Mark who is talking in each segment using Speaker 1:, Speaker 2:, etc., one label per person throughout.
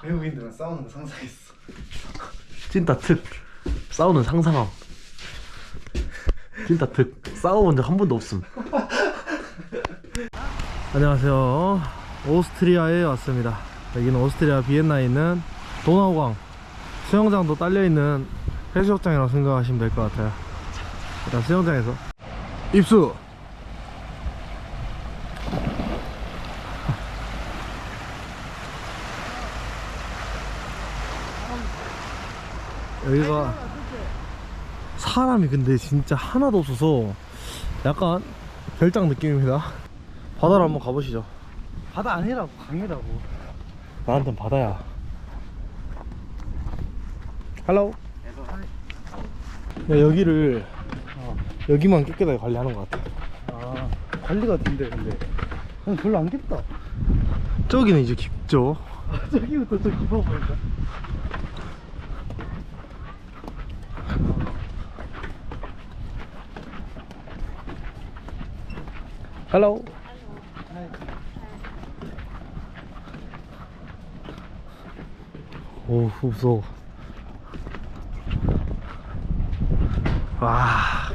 Speaker 1: 외국인들은 싸우는 거 상상했어.
Speaker 2: 찐따 특 싸우는 상상함. 찐따 특 싸워본 적 한 번도 없음. 안녕하세요. 오스트리아에 왔습니다. 여기는 오스트리아 비엔나에 있는 도나우강 수영장도 딸려있는 해수욕장이라고 생각하시면 될 것 같아요. 일단 수영장에서 입수! 여기가 사람이 근데 진짜 하나도 없어서 약간 별장 느낌입니다. 바다로 한번 가보시죠.
Speaker 1: 바다 아니라고, 강이라고.
Speaker 2: 나한텐 바다야. 헬로. 야, 여기를 여기만 깨끗하게 관리하는 것 같아.
Speaker 1: 아, 관리가 된대. 근데 난 별로 안 깊다.
Speaker 2: 저기는 이제 깊죠.
Speaker 1: 저기부터 좀 깊어 보인다.
Speaker 2: 헬로. 오, 무서워. 와.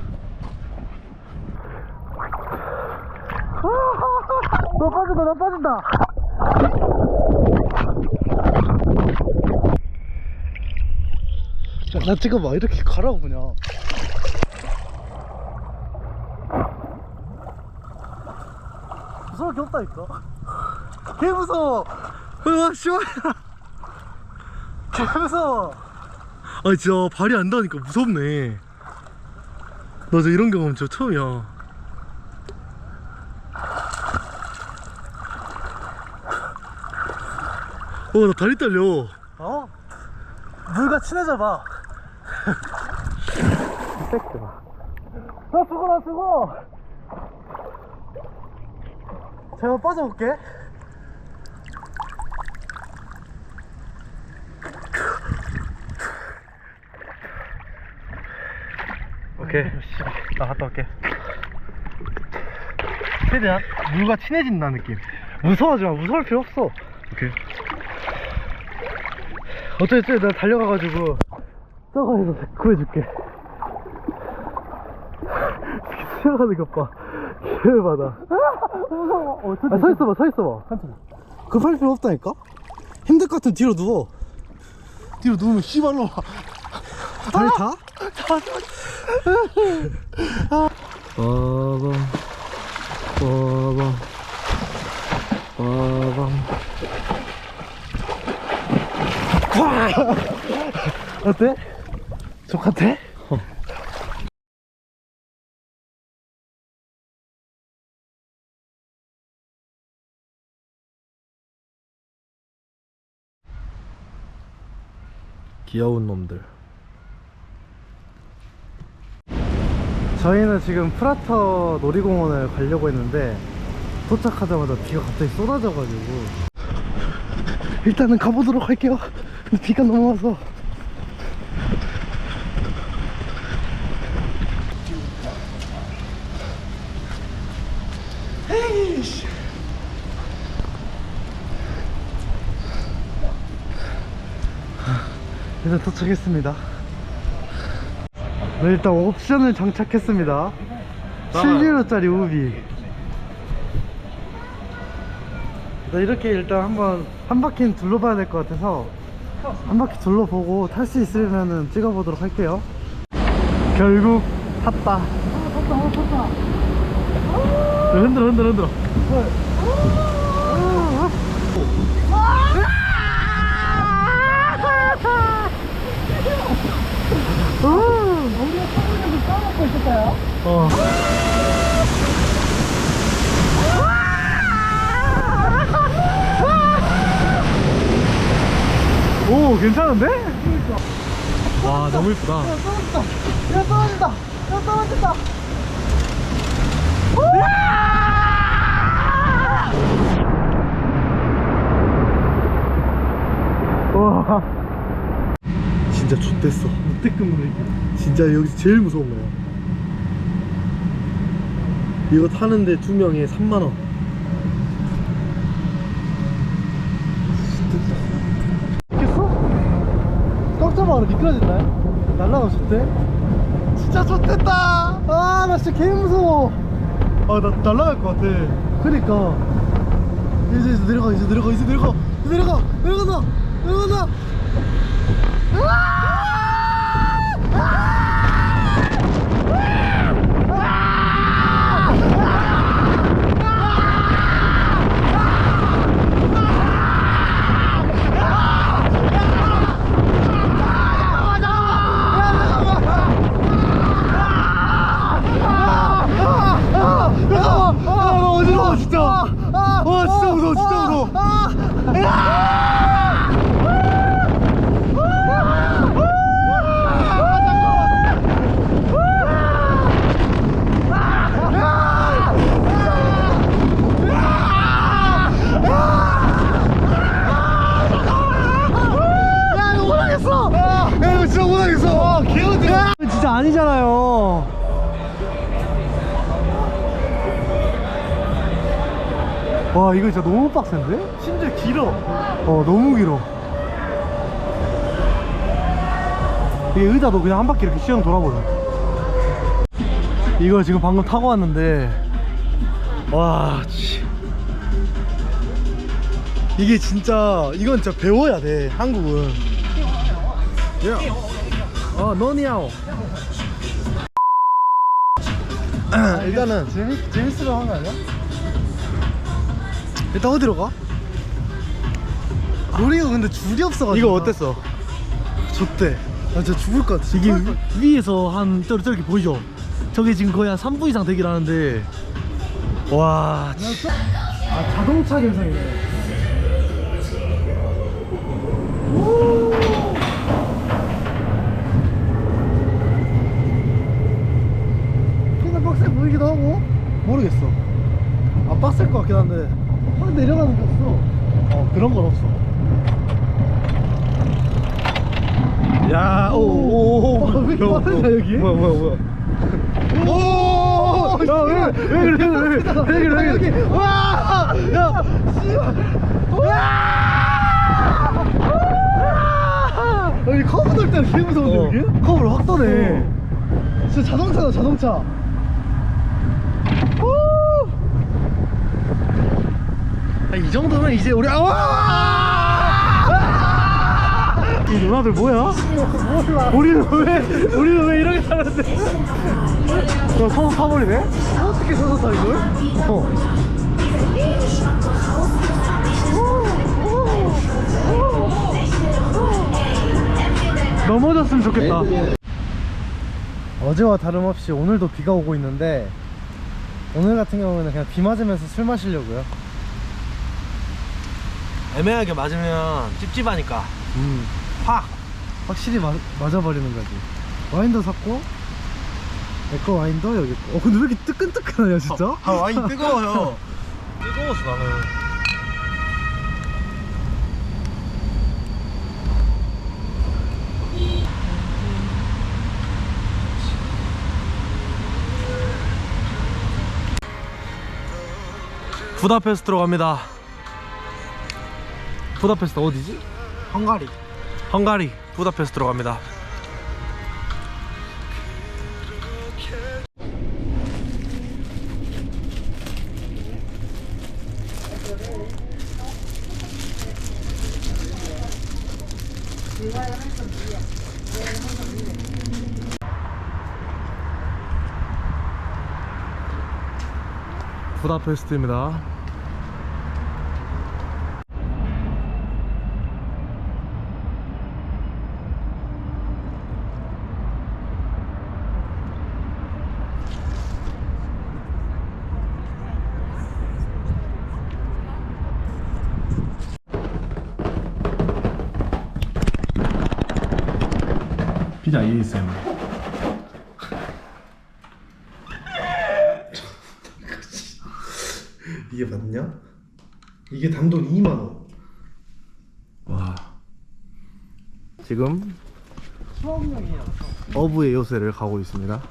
Speaker 1: 너 빠진다, 너 빠진다. 야, 나 찍어봐. 이렇게 가라고 그냥. 무서울 게 없다니까. 개 무서워.
Speaker 2: 와, 씨발.
Speaker 1: 개 무서워.
Speaker 2: 아, 진짜 발이 안 닿으니까 무섭네. 나 저 이런 경험 진짜 처음이야. 나 다리 떨려.
Speaker 1: 어? 물과 친해져봐. 나 죽어, 나 죽어. 제가 빠져볼게.
Speaker 2: 오케이. 나 갔다 올게. 최대한 물과 친해진다는 느낌.
Speaker 1: 무서워하지 마. 무서울 필요 없어.
Speaker 2: 오케이.
Speaker 1: 어쩌지 내가 달려가가지고 저거에서 구해줄게. 수영하는 것 봐. 개열받아. 무서워. 아, 서있어봐, 서있어봐. 괜찮아. 급할 필요 없다니까? 힘들 것 같으면 뒤로 누워.
Speaker 2: 뒤로 누우면 씨발로.
Speaker 1: 다리 다?
Speaker 2: 빠밤 빠밤 빠밤.
Speaker 1: 어때? 똑같아?
Speaker 2: 귀여운 놈들.
Speaker 1: 저희는 지금 프라터 놀이공원을 가려고 했는데 도착하자마자 비가 갑자기 쏟아져가지고 일단은 가보도록 할게요. 근데 비가 너무 와서. 에이씨. 일단 도착했습니다. 네, 일단 옵션을 장착했습니다. 7유로짜리 우비. 이렇게 일단 한번 한 바퀴는 둘러봐야 될 것 같아서 한 바퀴 둘러보고 탈 수 있으면 찍어보도록 할게요. 결국 탔다. 탔다.
Speaker 2: 흔들어.
Speaker 1: 우리가 타면서 까먹고 있을까요?
Speaker 2: 오, 괜찮은데? 와, 너무 이쁘다.
Speaker 1: 야, 떨어진다. 야, 떨어진다. 야, 떨어진다.
Speaker 2: 와, 진짜 X됐어.
Speaker 1: 역대급으로 이게.
Speaker 2: 진짜 여기서 제일 무서운 거야. 이거 타는데 2명에 3만원.
Speaker 1: 오토바이로 미끄러진다. 날라가 좋대. 진짜 좋댔다. 아, 나 진짜 개 무서워. 아, 나 날라갈 것 같아. 그니까. 이제 내려가. 내려간다. 나 어지러워 진짜. 와 진짜 무서워. 야 이거 못하겠어. 야 이거 진짜 못하겠어. 개어지러. 진짜 아니잖아요. 와 이거 진짜 너무 빡센데? 심지어 길어. 너무 길어. 이게 의자도 그냥 한 바퀴 이렇게 시영 돌아버려. 이거 지금 방금 타고 왔는데 와 이게 진짜 이건 진짜 배워야 돼 한국은. 너니야오. 일단은 재밌으려 한 거 아니야? 일단 어디로 가? 우리가 근데 줄이 없어가지고. 이거 어땠어? 좋대. 아 진짜 죽을 것 같아. 이게 위에서 한 저렇게 보이죠? 저게 지금 거의 한 3분 이상 되긴 하는데 와 아 자동차 감성이네. 그냥 빡세 보이기도 하고. 모르겠어. 안 빡셀 것 같긴 한데 확 내려가는 게 없어. 그런 건 없어. 야, 왜 이렇게 빠르냐 여기? 뭐야? 오, 야, 왜 그래? 와, 야, 여기 커브 돌 때는 개 무서운데 여기? 커브를 확 도네. 진짜 자동차다 자동차. 이 정도면 이제 우리 이 누나들 뭐야? 우리는 왜 이렇게 타는데? 서서 타버리네? 어떻게 서서 타 이걸? 넘어졌으면 좋겠다. 어제와 다름없이 오늘도 비가 오고 있는데 오늘 같은 경우는 그냥 비 맞으면서 술 마시려고요.
Speaker 2: 애매하게 맞으면 찝찝하니까
Speaker 1: 확실히 맞아버리는 거지. 와인도 샀고 내거 와인도 여기 있고. 근데 왜 이렇게 뜨끈뜨끈하냐 진짜?
Speaker 2: 와인 뜨거워요. 뜨거웠어 나는. 부다페스트로 갑니다. 부다페스트 어디지? 헝가리 부다페스트로 갑니다. 부다페스트입니다. 피자 ASMR.
Speaker 1: 이게 맞냐? 이게 단돈 2만원.
Speaker 2: 와. 지금 어부의 요새를 가고 있습니다.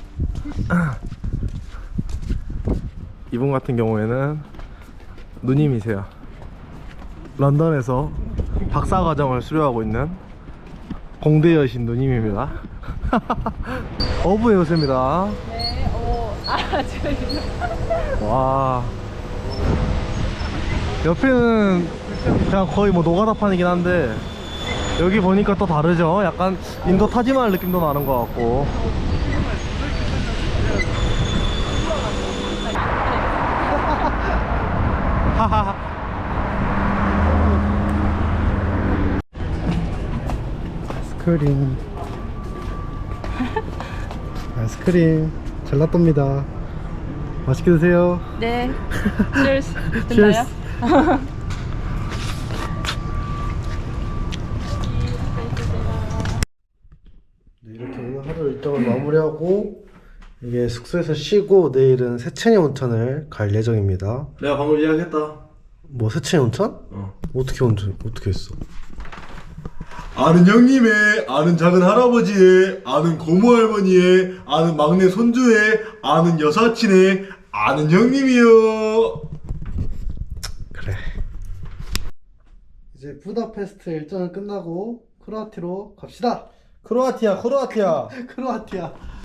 Speaker 2: 이분 같은 경우에는 누님이세요. 런던에서 박사과정을 수료하고 있는 공대 여신 누님입니다. 어부의 요새입니다.
Speaker 3: 네, 저희.
Speaker 2: 와. 옆에는 그냥 거의 뭐 노가다판이긴 한데 여기 보니까 또 다르죠. 약간 인도 타지마할 느낌도 나는 것 같고. 하하하.
Speaker 1: 아이스크림. 아이스크림. 젤라또입니다. 맛있게 드세요.
Speaker 3: 네. Cheers.
Speaker 1: Cheers.
Speaker 3: 됐나요?
Speaker 1: 네, 이렇게 오늘 하루 일정을 마무리하고 이게 숙소에서 쉬고 내일은 세천이 온천을 갈 예정입니다.
Speaker 2: 내가 방금 예약했다.
Speaker 1: 뭐 세천이 온천?
Speaker 2: 어.
Speaker 1: 어떻게 했어?
Speaker 2: 아는 형님의, 아는 작은 할아버지의, 아는 고모 할머니의, 아는 막내 손주의, 아는 여사친의, 아는 형님이요.
Speaker 1: 그래. 이제 부다페스트 일정은 끝나고 크로아티아로 갑시다.
Speaker 2: 크로아티아.
Speaker 1: 크로아티아.